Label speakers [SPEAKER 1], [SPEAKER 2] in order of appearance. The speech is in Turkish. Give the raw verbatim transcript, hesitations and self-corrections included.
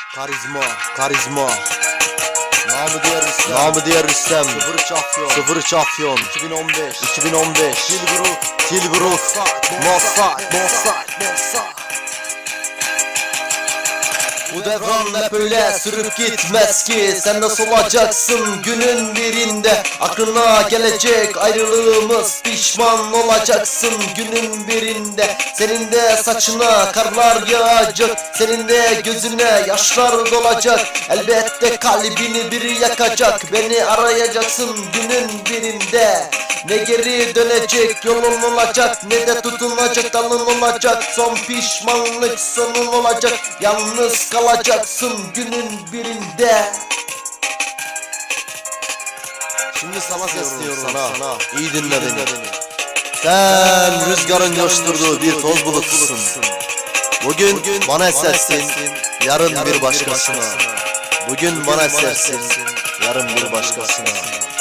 [SPEAKER 1] Karizma, karizma.
[SPEAKER 2] Namı diğer Rüstem.
[SPEAKER 1] Namı diğer Rüstem.
[SPEAKER 2] sıfır üç Afyon.
[SPEAKER 1] sıfır üç Afyon.
[SPEAKER 2] iki bin on beş.
[SPEAKER 1] iki bin on beş.
[SPEAKER 2] Tilburg.
[SPEAKER 1] Tilburg. Mossad, Mossad, Mossad. Bu devran hep öyle sürüp gitmez ki. Sen nasıl olacaksın günün birinde? Aklına gelecek ayrılığımız, pişman olacaksın günün birinde. Senin de saçına karlar yağacak, senin de gözüne yaşlar dolacak. Elbette kalbini biri yakacak, beni arayacaksın günün birinde. Ne geri dönecek yolun olacak, ne de tutunacak dalın olacak. Son pişmanlık sonun olacak, yalnız kalacaksın günün birinde.
[SPEAKER 2] Şimdi sana sesliyorum
[SPEAKER 1] sana,
[SPEAKER 2] sana.
[SPEAKER 1] iyi dinle beni. Sen rüzgarın coşturduğu bir toz bulutsun. Bugün bana esersin, yarın bir başkasına. Bugün bana esersin, yarın bir başkasına.